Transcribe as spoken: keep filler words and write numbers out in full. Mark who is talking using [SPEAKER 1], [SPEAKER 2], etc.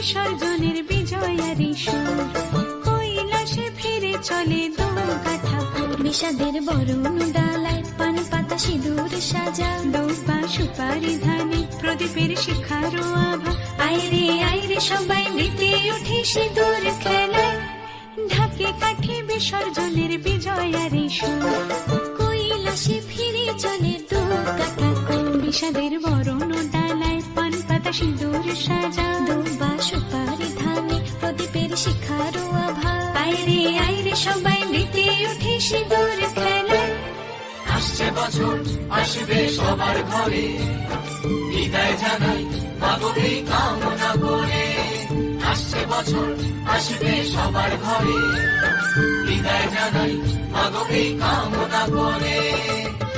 [SPEAKER 1] বিসর্জনের বিজয়ারি সুর, কৈলাসে ফিরে চলে দুর্গা ঠাকুর।
[SPEAKER 2] বিষাদের বরণ ডালায় পান পাতা সিঁদুর সাজা,
[SPEAKER 1] দৌপা সুপারি ধানে প্রদীপের শিখারো আভা। আইরে আইরে সবাই মেতে উঠে সিঁদুর খেলায়, ঢাকে কাঠে বিসর্জনের বিজয়ারি সুর,
[SPEAKER 2] কৈলাসে ফিরে চলে দুর্গা ঠাকুর।
[SPEAKER 1] বিষাদের বরণ ডালায় পান পাতা সিঁদুর সাজা,
[SPEAKER 2] দুর্বা সুপারি ধানে প্রদীপের শিখারো আভা।
[SPEAKER 1] আইরে আইরে সবাই মেতে উঠে সিঁদুর খেলায়।
[SPEAKER 3] আসছে বছর আসবে সবার ঘরে, বিদায় জানাই মাগো এই কামনা করে। আসছে বছর আসবে সবার ঘরে, বিদায় জানাই মাগো এই কামনা করে।